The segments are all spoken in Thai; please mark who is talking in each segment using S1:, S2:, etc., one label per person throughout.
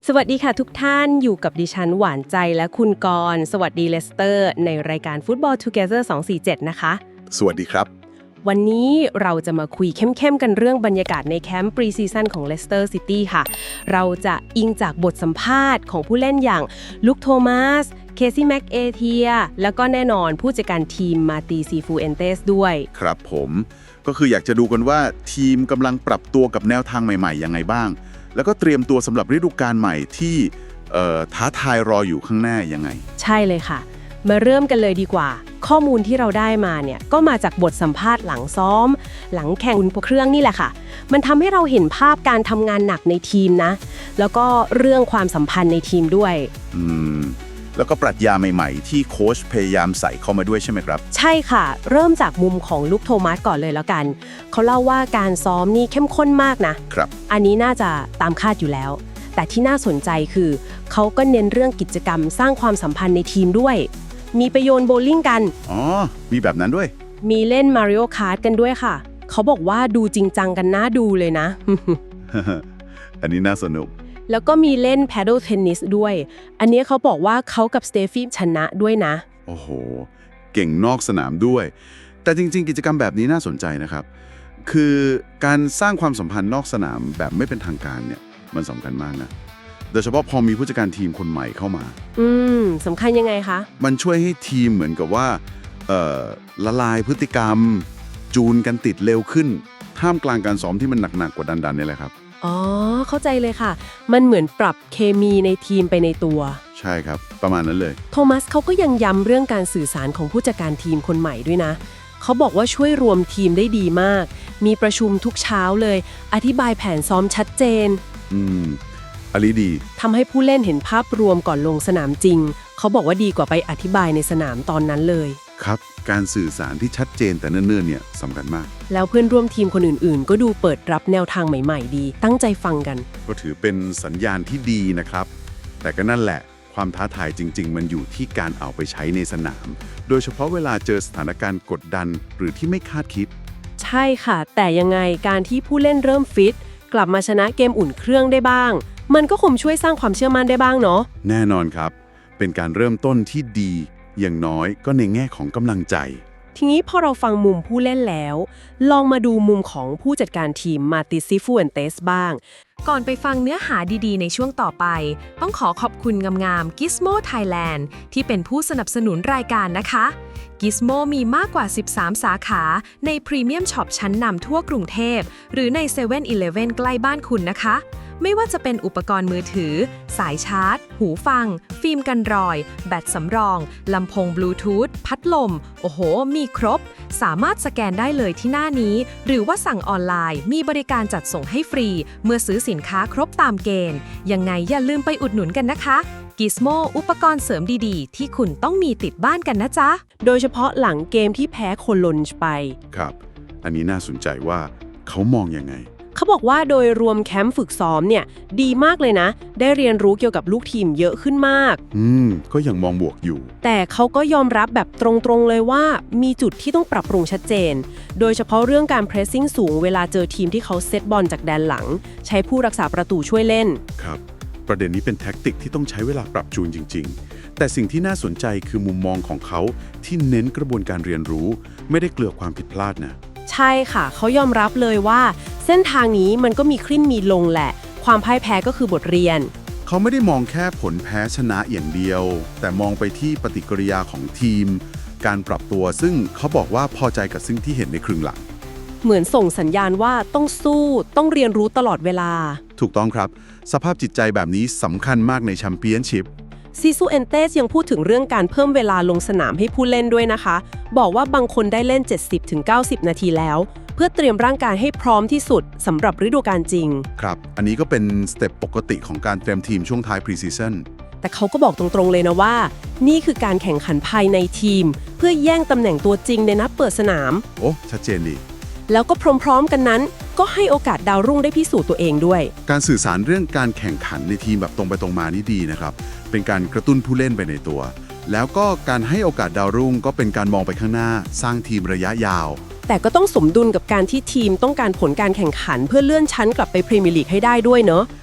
S1: สวัสดีค่ะทุกท่านอยู่กับดิฉันหวานใจและคุณกรณ์สวัสดีเลสเตอร์ในรายการ Football Together 247 นะคะ
S2: สวัสดีครับ
S1: วันนี้เราจะมาคุยเข้มๆกันเรื่องบรรยากาศในแคมป์ปรีซีซั่นของเลสเตอร์ซิตี้ค่ะ เราจะอิงจากบทสัมภาษณ์ของผู้เล่นอย่างลุคโทมัสเคซี่แม็กเอเทียแล้วก็แน่นอนผู้จัดการทีมมาตีซีฟูเอนเตสด้วย
S2: ครับผมก็คืออยากจะดูกันว่าทีมกำลังปรับตัวกับแนวทางใหม่ๆยังไงบ้าง แล้วก็เตรียมตัวสำหรับฤดูกาลใหม่ที่ท้าทายรออยู่ข้างหน้ายังไง
S1: ใช่เลยค่ะ มาเริ่มกันเลยดีกว่า ข้อมูลที่เราได้มาเนี่ยก็มาจากบทสัมภาษณ์หลังซ้อม หลังแข่งบนเครื่องนี่แหละค่ะ มันทำให้เราเห็นภาพการทำงานหนักในทีมนะ แล้วก็เรื่องความสัมพันธ์ในทีมด้วย
S2: แล้วก็ปรัชญาใหม่ๆ ที่โค้ชพยายามใส่เข้ามาด้วยใช่ไหมครับ
S1: ใช่ค่ะ เริ่มจากมุมของลุคโทมัสก่อนเลยแล้วกัน เขาเล่าว่าการซ้อมนี่เข้มข้นมากนะ
S2: ครับ
S1: อันนี้น่าจะตามคาดอยู่แล้ว แต่ที่น่าสนใจคือเขาก็เน้นเรื่องกิจกรรมสร้างความสัมพันธ์ในทีมด้วย มีไปโยนโบว์ลิ่งกัน
S2: อ๋อ มีแบบนั้นด้วย
S1: มีเล่นมาริโอคาร์ทกันด้วยค่ะ เขาบอกว่าดูจริงจังกันน่าดูเลยนะ
S2: อันนี้น่าสนุก
S1: แล้วก็มีเล่นแพดเดิลเทนนิสด้วย อันนี้เขาบอกว่าเขากับสเตฟี่ชนะด้วยนะ
S2: โอ้โห เก่งนอกสนามด้วย แต่จริงๆ กิจกรรมแบบนี้น่าสนใจนะครับ คือการสร้างความสัมพันธ์นอกสนามแบบไม่เป็นทางการเนี่ยมันสำคัญมากนะ โดยเฉพาะพอมีผู้จัดการทีมคนใหม่เข้ามา
S1: สำคัญยังไงคะ
S2: มันช่วยให้ทีมเหมือนกับว่าละลายพฤติกรรม จูนกันติดเร็วขึ้น ท่ามกลางการซ้อมที่มันหนักๆกว่าดันๆนี่แหละครับ
S1: อ๋อ เข้าใจเลยค่ะ มันเหมือนปรับเคมีในทีมไปในตัว
S2: ใช่ครับ ประมาณนั้นเลย
S1: โทมัสเขาก็ยังย้ำเรื่องการสื่อสารของผู้จัดการทีมคนใหม่ด้วยนะ เขาบอกว่าช่วยรวมทีมได้ดีมาก มีประชุมทุกเช้าเลย อธิบายแผนซ้อมชัดเจน
S2: อันนี้ดี
S1: ทำให้ผู้เล่นเห็นภาพรวมก่อนลงสนามจริง เขาบอกว่าดีกว่าไปอธิบายในสนามตอนนั้นเลย
S2: ครับ การสื่อสารที่ชัดเจนแต่เนิ่นๆเนี่ยสำคัญมาก
S1: แล้วเพื่อนร่วมทีมคนอื่นๆ ก็ดูเปิดรับแนวทางใหม่ๆ ดี ตั้งใจฟังกัน
S2: ก็ถือเป็นสัญญาณที่ดีนะครับ แต่ก็นั่นแหละ ความท้าทายจริงๆ มันอยู่ที่การเอาไปใช้ในสนาม โดยเฉพาะเวลาเจอสถานการณ์กดดันหรือที่ไม่คาดคิด
S1: ใช่ค่ะ แต่ยังไงการที่ผู้เล่นเริ่มฟิตกลับมาชนะเกมอุ่นเครื่องได้บ้าง มันก็คงช่วยสร้างความเชื่อมั่นได้บ้างเนาะ
S2: แน่นอนครับ เป็นการเริ่มต้นที่ดี อย่างน้อยก็ในแง่ของกำลังใจ
S1: ทีนี้พอเราฟังมุมผู้เล่นแล้ว ลองมาดูมุมของผู้จัดการทีมมาติซิฟูเอนเตสบ้าง
S3: ก่อนไปฟังเนื้อหาดีๆในช่วงต่อไป ต้องขอขอบคุณงามๆ Gizmo Thailand ที่เป็นผู้สนับสนุนรายการนะคะ Gizmo มีมากกว่า 13 สาขาในพรีเมียมช็อปชั้นนำทั่วกรุงเทพหรือใน7 e เ e ่ e อใกล้บ้านคุณนะคะ ไม่ว่าจะเป็นอุปกรณ์มือถือ สายชาร์จ หูฟัง ฟิล์มกันรอย แบตสำรอง ลำโพงบลูทูธ พัดลม โอ้โห มีครบ สามารถสแกนได้เลยที่หน้านี้ หรือว่าสั่งออนไลน์ มีบริการจัดส่งให้ฟรี เมื่อซื้อสินค้าครบตามเกณฑ์ ยังไงอย่าลืมไปอุดหนุนกันนะคะ Gizmo อุปกรณ์เสริมดีๆ ที่คุณต้องมีติดบ้านกันนะจ๊ะ
S1: โดยเฉพาะหลังเกมที่แพ้โคโลนไป
S2: ครับ อันนี้น่าสนใจว่าเขามองยังไง
S1: เขาบอกว่าโดยรวมแคมป์ฝึกซ้อมเนี่ยดีมากเลยนะ ได้เรียนรู้เกี่ยวกับลูกทีมเยอะขึ้นมาก
S2: ก็ยังมองบวกอยู่
S1: แต่เขาก็ยอมรับแบบตรงๆเลยว่ามีจุดที่ต้องปรับปรุงชัดเจน โดยเฉพาะเรื่องการเพรสซิ่งสูงเวลาเจอทีมที่เขาเซตบอลจากแดนหลัง ใช้ผู้รักษาประตูช่วยเล่น
S2: ครับ ประเด็นนี้เป็นแท็กติกที่ต้องใช้เวลาปรับจูนจริงๆ แต่สิ่งที่น่าสนใจคือมุมมองของเขาที่เน้นกระบวนการเรียนรู้ ไม่ได้เกลือความผิดพลาดนะ
S1: ใช่ค่ะ เขายอมรับเลยว่า เส้นทางนี้มันก็มีขึ้นมีลงแหละ ความพ่ายแพ้ก็คือบทเรียน
S2: เขาไม่ได้มองแค่ผลแพ้ชนะอย่างเดียว แต่มองไปที่ปฏิกิริยาของทีม การปรับตัวซึ่งเขาบอกว่าพอใจกับสิ่งที่เห็นในครึ่งหลัง
S1: เหมือนส่งสัญญาณว่าต้องสู้ต้องเรียนรู้ตลอดเวลา
S2: ถูกต้องครับ สภาพจิตใจแบบนี้สำคัญมากในแชมเปี้ยนชิพ
S1: ซีซูเอนเตสยังพูดถึงเรื่องการเพิ่มเวลาลงสนามให้ผู้เล่นด้วยนะคะ บอกว่าบางคนได้เล่น 70-90 นาทีแล้ว เพื่อเตรียมร่างกายให้พร้อมที่สุดสำหรับฤดูกาลจริง
S2: ครับ อันนี้ก็เป็นสเต็ปปกติของการเตรียมทีมช่วงท้ายพรีซีซั่น
S1: แต่เขาก็บอกตรงๆเลยนะว่า นี่คือการแข่งขันภายในทีม เพื่อแย่งตำแหน่งตัวจริงในนัดเปิดสนาม
S2: โอ้ชัดเจนดี
S1: แล้วก็พร้อมๆกันนั้น ก็ให้โอกาสดาวรุ่งได้พิสูจน์ตัวเองด้วย
S2: การสื่อสารเรื่องการแข่งขันในทีมแบบตรงไปตรงมานี่ดีนะครับ เป็นการกระตุ้นผู้เล่นไปในตัว แล้วก็การให้โอกาสดาวรุ่งก็เป็นการมองไปข้างหน้า สร้างทีมระยะยาว
S1: แต่ก็ต้องสมดุลกับการที่ทีมต้องการผลการแข่งขันเพื่อเลื่อนชั้นกลับไปพรีเมียร์ลีกให้ได้ด้วยเนอะ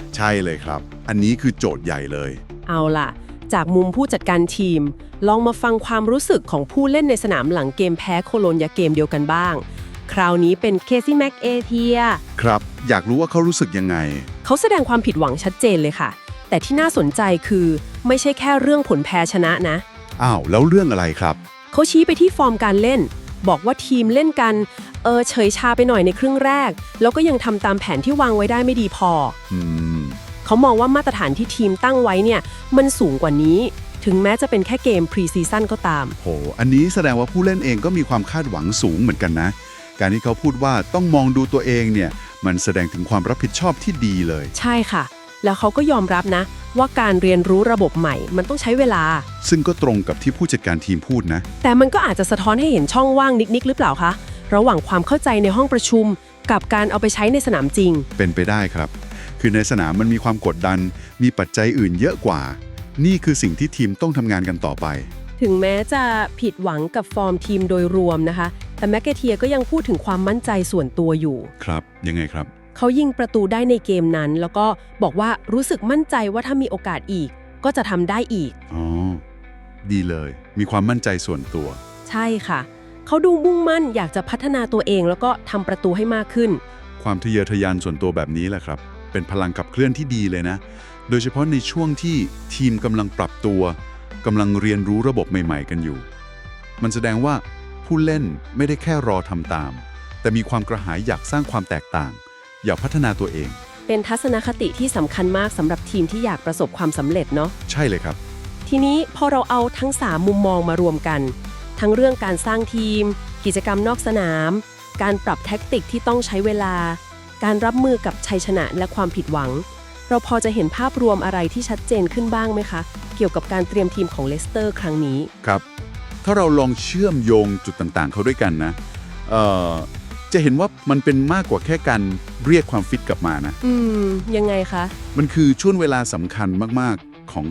S2: ใช่เลยครับ อันนี้คือโจทย์ใหญ่เลย
S1: เอาล่ะ จากมุมผู้จัดการทีม ลองมาฟังความรู้สึกของผู้เล่นในสนามหลังเกมแพ้โคโลนยาเกมเดียวกันบ้าง คราวนี้เป็นเคซี่แม็กเอเทีย
S2: ครับ อยากรู้ว่าเขารู้สึกยังไง
S1: เขาแสดงความผิดหวังชัดเจนเลยค่ะ แต่ที่น่าสนใจคือไม่ใช่แค่เรื่องผลแพ้ชนะนะ
S2: อ้าวแล้วเรื่องอะไรครับ
S1: เขาชี้ไปที่ฟอร์มการเล่น บอกว่าทีมเล่นกันเฉยชาไปหน่อยในครึ่งแรก แล้วก็ยังทำตามแผนที่วางไว้ได้ไม่ดีพอ
S2: อืม
S1: เขามองว่ามาตรฐานที่ทีมตั้งไว้เนี่ยมันสูงกว่านี้ ถึงแม้จะเป็นแค่เกมพรีซีซั่นก็ตาม
S2: โห อันนี้แสดงว่าผู้เล่นเองก็มีความคาดหวังสูงเหมือนกันนะ การที่เขาพูดว่าต้องมองดูตัวเองเนี่ยมันแสดงถึงความรับผิดชอบที่ดีเลย
S1: ใช่ค่ะ แล้วเขาก็ยอมรับนะ ว่าการเรียนรู้ระบบใหม่มันต้องใช้เวลา
S2: ซึ่งก็ตรงกับที่ผู้จัดการทีมพูดนะ
S1: แต่มันก็อาจจะสะท้อนให้เห็นช่องว่างนิดๆหรือเปล่าคะระหว่างความเข้าใจในห้องประชุม กับการเอาไปใช้ในสนามจริง
S2: เป็นไปได้ครับ คือในสนามมันมีความกดดัน มีปัจจัยอื่นเยอะกว่า นี่คือสิ่งที่ทีมต้องทำงานกันต่อไป
S1: ถึงแม้จะผิดหวังกับฟอร์มทีมโดยรวมนะคะ แต่แมคเกเทียก็ยังพูดถึงความมั่นใจส่วนตัวอยู่
S2: ครับ ยังไงครับ
S1: เขายิงประตูได้ในเกมนั้น แล้วก็บอกว่ารู้สึกมั่นใจว่าถ้ามีโอกาสอีก ก็จะทำได้อีก
S2: อ๋อ ดีเลย มีความมั่นใจส่วนตัว
S1: ใช่ค่ะ เขาดูมุ่งมั่นอยากจะพัฒนาตัวเองแล้วก็ทำประตูให้มากขึ้น
S2: ความทะเยอทะยานส่วนตัวแบบนี้แหละครับ เป็นพลังขับเคลื่อนที่ดีเลยนะ โดยเฉพาะในช่วงที่ทีมกำลังปรับตัวกำลังเรียนรู้ระบบใหม่ๆกันอยู่ มันแสดงว่าผู้เล่นไม่ได้แค่รอทำตาม แต่มีความกระหายอยากสร้างความแตกต่าง อยากพัฒนาตัวเอง
S1: เป็นทัศนคติที่สำคัญมากสำหรับทีมที่อยากประสบความสำเร็จเนาะ
S2: ใช่เลยครับ
S1: ทีนี้พอเราเอาทั้ง 3 มุมมองมารวมกัน ทั้งเรื่องการสร้างทีม กิจกรรมนอกสนาม การปรับแท็กติกที่ต้องใช้เวลา การรับมือกับชัยชนะและความผิดหวัง เราพอจะเห็นภาพรวมอะไรที่ชัดเจนขึ้นบ้างไหมคะ เกี่ยวกับการเตรียมทีมของเลสเตอร์ครั้งนี้
S2: ครับ ถ้าเราลองเชื่อมโยงจุดต่างๆ เข้าด้วยกันนะจะเห็นว่ามันเป็นมากกว่าแค่การเรียกความฟิตกลับมานะ
S1: ยังไงคะ
S2: มันคือช่วงเวลาสำคัญมากๆของ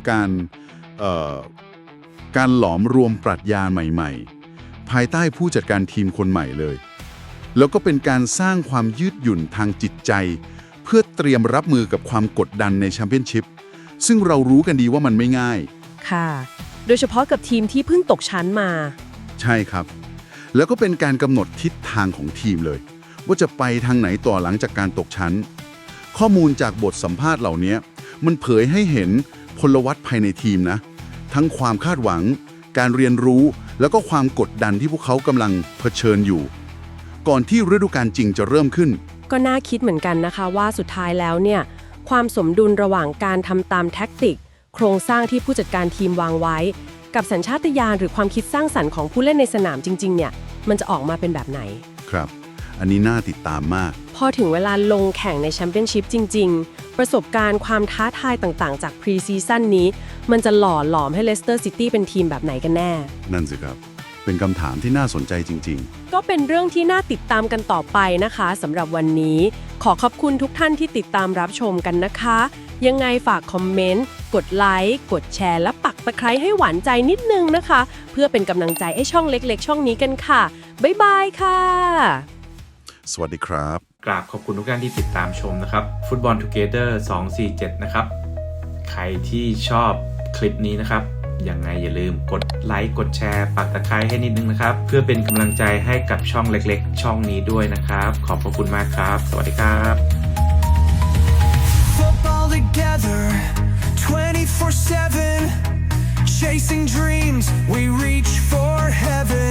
S2: การหลอมรวมปรัชญาใหม่ๆ ภายใต้ผู้จัดการทีมคนใหม่เลย แล้วก็เป็นการสร้างความยืดหยุ่นทางจิตใจ เพื่อเตรียมรับมือกับความกดดันในแชมเปี้ยนชิพซึ่งเรารู้กันดีว่ามันไม่ง่าย
S1: ค่ะ โดยเฉพาะกับทีมที่เพิ่งตกชั้นมา
S2: ใช่ครับ แล้วก็เป็นการกำหนดทิศทางของทีมเลย ว่าจะไปทางไหนต่อหลังจากการตกชั้น ข้อมูลจากบทสัมภาษณ์เหล่านี้มันเผยให้เห็นพลวัตภายในทีมนะ ทั้งความคาดหวัง การเรียนรู้ แล้วก็ความกดดันที่พวกเขากำลังเผชิญอยู่ ก่อนที่ฤดูกาลจริงจะเริ่มขึ้น
S1: ก็น่าคิดเหมือนกันนะคะว่าสุดท้ายแล้วเนี่ยความสมดุลระหว่างการทำตามแท็กติก โครงสร้างที่ผู้จัดการทีมวางไว้ กับสัญชาตญาณหรือความคิดสร้างสรรค์ของผู้เล่นในสนามจริงๆเนี่ยมันจะออกมาเป็นแบบไหน
S2: ครับ อันนี้น่าติดตามมาก
S1: พอถึงเวลาลงแข่งในแชมเปี้ยนชิพจริงๆ ประสบการณ์ความท้าทายต่างๆจากพรีซีซั่นนี้มันจะหล่อหลอมให้เลสเตอร์ซิตี้เป็นทีมแบบไหนกันแน่
S2: นั่นสิครับ เป็นคำถามที่น่าสนใจจริงๆ
S1: ก็เป็นเรื่องที่น่าติดตามกันต่อไปนะคะสำหรับวันนี้ขอขอบคุณทุกท่านที่ติดตามรับชมกันนะคะ ยังไงฝากคอมเมนต์กดไลค์กดแชร์และปักตะไคร้ให้หวานใจนิดนึงนะคะ เพื่อเป็นกำลังใจให้ช่องเล็กๆ ช่องนี้กันค่ะบ๊ายบายค่ะ
S2: สวัสดีครับ
S4: กราบขอบคุณทุกท่านที่ติดตามชมนะครับ Football Together 247 นะครับ ใครที่ชอบคลิปนี้นะครับ ยังไงอย่าลืมกดไลค์กดแชร์ปักตะไคร้ให้นิดนึงนะครับ เพื่อเป็นกำลังใจให้กับช่องเล็กๆ ช่องนี้ด้วยนะครับ ขอบพระคุณมากครับ สวัสดีครับ
S5: Football together 24/7 chasing dreams we reach for heaven